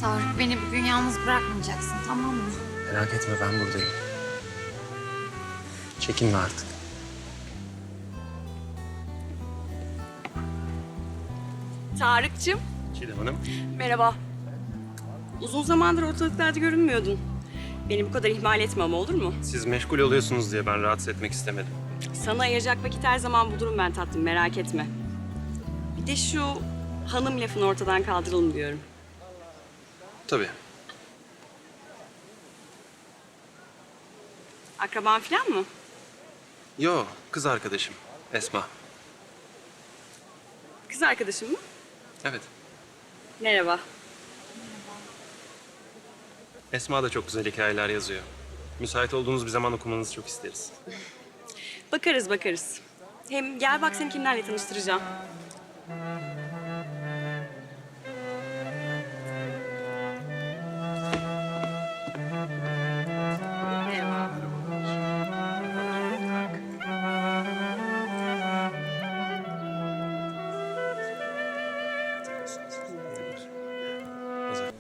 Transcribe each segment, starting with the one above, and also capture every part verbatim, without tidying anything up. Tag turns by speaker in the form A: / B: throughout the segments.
A: Tarık, beni bugün yalnız bırakmayacaksın, tamam mı?
B: Merak etme, ben buradayım. Çekinme artık.
C: Tarık'cığım,
B: Çiğdem Hanım.
C: merhaba. Uzun zamandır ortalıklarda görünmüyordun. Beni bu kadar ihmal etme ama olur mu?
B: Siz meşgul oluyorsunuz diye ben rahatsız etmek istemedim.
C: Sana ayıracak vakit her zaman bulurum ben tatlım, merak etme. Bir de şu hanım lafını ortadan kaldıralım diyorum.
B: Tabii.
C: Akraban falan mı?
B: Yo, kız arkadaşım. Esma.
C: Kız arkadaşın mı?
B: Evet.
C: Merhaba.
B: Esma da çok güzel hikayeler yazıyor. Müsait olduğunuz bir zaman okumanızı çok isteriz.
C: Bakarız bakarız. Hem gel bak seni kimlerle tanıştıracağım. Merhaba.
B: Hazır.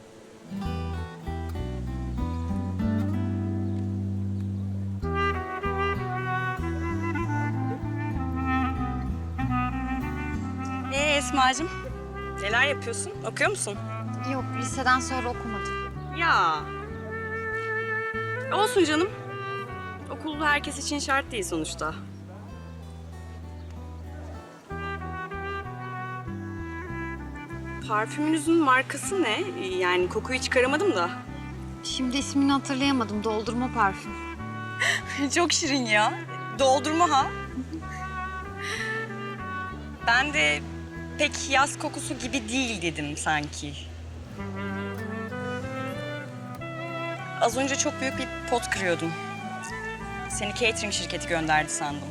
C: Ee Esma'cığım, neler yapıyorsun? Okuyor musun?
A: Yok, liseden sonra okumadım.
C: Ya. Olsun canım. Okul herkes için şart değil sonuçta. Parfümünüzün markası ne? Yani kokuyu çıkaramadım da.
A: Şimdi ismini hatırlayamadım, doldurma parfüm.
C: Çok şirin ya. Doldurma ha. Ben de pek yaz kokusu gibi değil dedim sanki. Az önce çok büyük bir pot kırıyordum. Seni catering şirketi gönderdi sandım.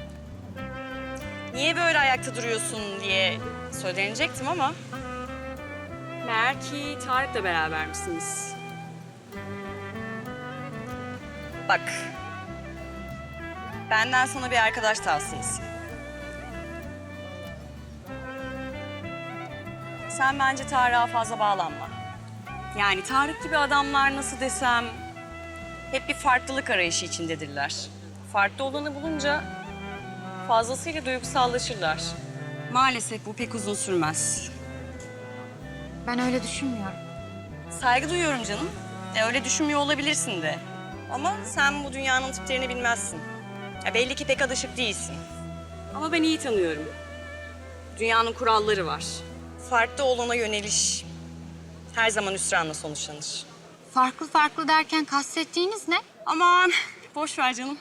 C: Niye böyle ayakta duruyorsun diye söylenecektim ama... meğer ki Tarık'la beraber misiniz? Bak, benden sana bir arkadaş tavsiyesi. Sen bence Tarık'a fazla bağlanma. Yani Tarık gibi adamlar nasıl desem... hep bir farklılık arayışı içindedirler. Farklı olanı bulunca fazlasıyla duygusallaşırlar. Maalesef bu pek uzun sürmez.
A: Ben öyle düşünmüyorum.
C: Saygı duyuyorum canım. E, öyle düşünmüyor olabilirsin de. Ama sen bu dünyanın tiplerini bilmezsin. Ya, belli ki pek alışık değilsin. Ama ben iyi tanıyorum. Dünyanın kuralları var. Farklı olana yöneliş her zaman hüsranla sonuçlanır.
A: Farklı farklı derken kastettiğiniz ne?
C: Aman boş ver canım.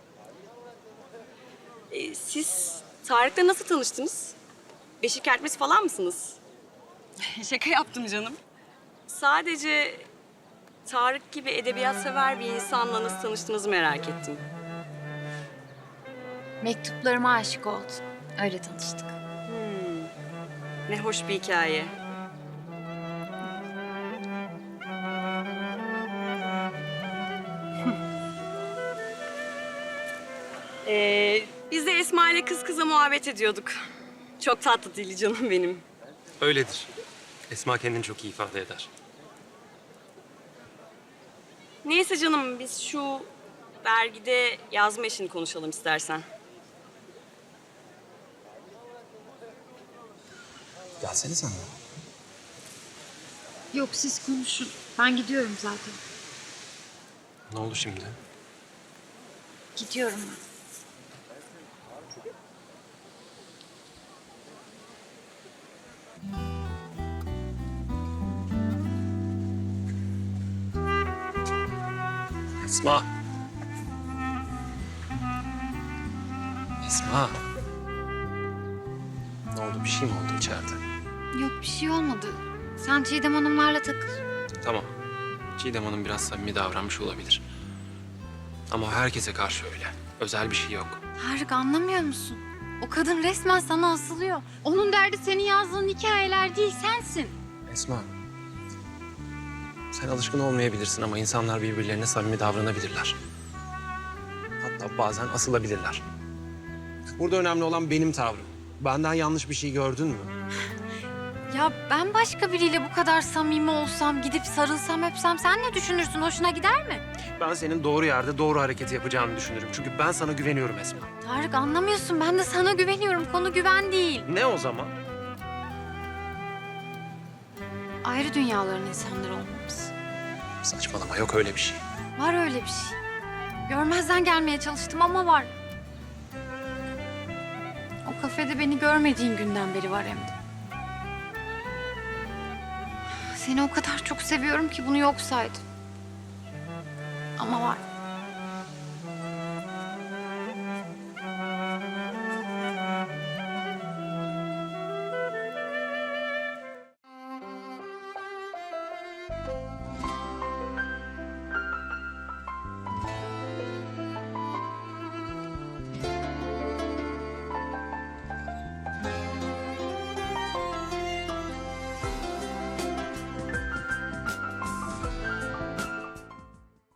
C: E, siz Tarık'la nasıl tanıştınız? Beşik kertmesi falan mısınız? Şaka yaptım canım. Sadece Tarık gibi edebiyat sever bir insanla nasıl tanıştığınızı merak ettim.
A: Mektuplarıma aşık oldu. Öyle tanıştık.
C: Ne hoş bir hikaye. ee, biz de Esma ile kız kıza muhabbet ediyorduk. Çok tatlı dili canım benim.
B: Öyledir. Esma kendini çok iyi ifade eder.
C: Neyse canım, biz şu dergide yazma işini konuşalım istersen.
B: Gelsene sen de.
A: Yok, siz konuşun. Ben gidiyorum zaten.
B: Ne oldu şimdi?
A: Gidiyorum ben.
B: Esma. Esma. Ne oldu? Bir şey mi oldu içeride?
A: Yok, bir şey olmadı. Sen Çiğdem Hanımlarla takıl.
B: Tamam. Çiğdem Hanım biraz samimi davranmış olabilir. Ama o herkese karşı öyle. Özel bir şey yok.
A: Tarık, anlamıyor musun? O kadın resmen sana asılıyor. Onun derdi senin yazdığın hikayeler değil, sensin.
B: Esma. Sen alışkın olmayabilirsin ama insanlar birbirlerine samimi davranabilirler. Hatta bazen asılabilirler. Burada önemli olan benim tavrım. Benden yanlış bir şey gördün mü?
A: Ya Ya ben başka biriyle bu kadar samimi olsam, gidip sarılsam, öpsem sen ne düşünürsün? Hoşuna gider mi?
B: Ben senin doğru yerde doğru hareketi yapacağını düşünürüm. Çünkü ben sana güveniyorum Esma.
A: Tarık anlamıyorsun. Ben de sana güveniyorum. Konu güven değil.
B: Ne o zaman?
A: Ayrı dünyaların insanları olmamız.
B: Saçmalama, yok öyle bir şey.
A: Var öyle bir şey. Görmezden gelmeye çalıştım ama var. O kafede beni görmediğin günden beri var hem de. Seni o kadar çok seviyorum ki bunu yok saydım. Ama var.